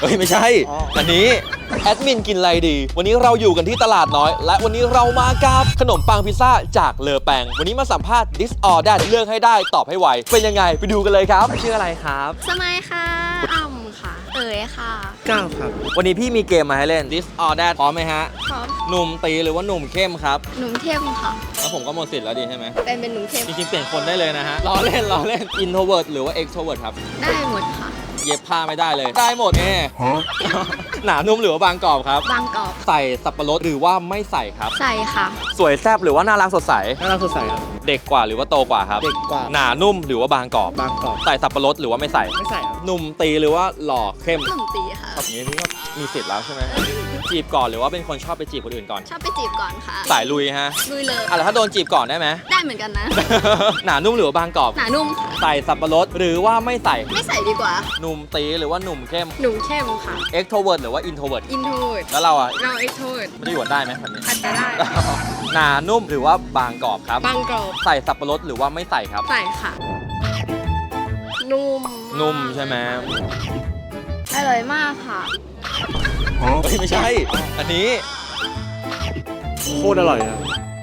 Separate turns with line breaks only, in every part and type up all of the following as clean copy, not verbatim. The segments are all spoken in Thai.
เฮ้ยไม่ใช่อันนี้แอดมินกินอะไรดีวันนี้เราอยู่กันที่ตลาดน้อยและวันนี้เรามากับขนมปังพิซซ่าจากเลอแปงวันนี้มาสัมภาษณ์ This or That เลือกให้ได้ตอบให้ไวเป็นยังไงไปดูกันเลยครับชื่ออะไรครับ
สมัยค่ะอ่ำค่ะ เอ๋ยค่ะ
ก้าวครับ
วันนี้พี่มีเกมมาให้เล่น This or That พร้อมไหมฮะ
พร้อม
หนุ่มตีหรือว่าหนุ่มเข้มครับ
หนุ่มเข้มค่ะ
แล้วผมก็หมดสิทธิ์แล้วดีใช่ไหม
เป็นหนุ่มเข้ม
จริงๆเปลี่ยนคนได้เลยนะฮะล้อเล่น introvert หรือว่า extrovert ครับ
ได้หมดค่ะ
เย็บผ้าไม่ได้เลย ได้หมดหนานุ่มหรือว่าบางกรอบครับ
บางกรอบ
ใส่สับปะรดหรือว่าไม่ใส่ครับ
ใส่ค่ะ
สวยแซ่บหรือว่าน่ารักสดใส
น่ารักสดใสครับ
เด็กกว่าหรือว่าโตกว่าครับ
เด็กกว่า
หนานุ่มหรือว่าบางกรอบ
บางกรอบ
ใส่สับปะรดหรือว่าไม่ใส่
ไม่ใส่ครับ
หนุ่มตีหรือว่าหล่อเข้ม
หนุ่มตีค่ะ
แบบนี้พี่ก็มีสิทธิ์แล้วใช่ไหมจีบก่อนหรือว่าเป็นคนชอบไปจีบคนอื่นก่อน
ชอบไปจีบก่อนค่ะ
สายลุยฮะ
ลุยเลย
อ่ะแล้วถ้าโดนจีบก่อนได้ไหม
ได้เหมือนกันนะ
หนานุ่มหรือว่าบางกรอบ
หนานุ่มค่ะ
ใส่สับปะรดหรือว่าไม่ใส่
ไม่ใส่ดีกว่า
หนุ่มตีหรือว่าหนุ่มเข้ม
หนุ่มเข้มค่ะ
extrovert หรือว่า introvert
อินโทรด
แล้วเราอ่ะ
เราเอ็กโทรด
ไม่ได้หวนได้ไหมแบบนี้
อาจจะได้
หนานุ่มหรือว่าบางกรอบครับ
บางกรอบ
ใส่สับปะรดหรือว่าไม่ใส่ครับ
ใส่ค่ะ นุ่ม
นุ่มใช่ไหม
อร่อยมากค่ะ
เฮ้ยไม่ใช่ อันนี้
โคตรอร่อยครับ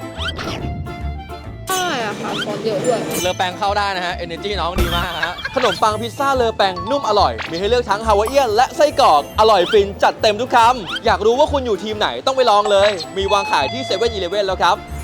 อร่อยอะค่ะซอสเยอะด้วย
เลอแปงเข้าได้นะฮะ energy น้องดีมากฮะ ขนมปังพิซซ่าเลอแปงนุ่มอร่อย มีให้เลือกทั้งฮาวายเอียนและไส้กรอก อร่อยฟินจัดเต็มทุกคำ อยากรู้ว่าคุณอยู่ทีมไหนต้องไปลองเลย มีวางขายที่7-Eleven แล้วครับ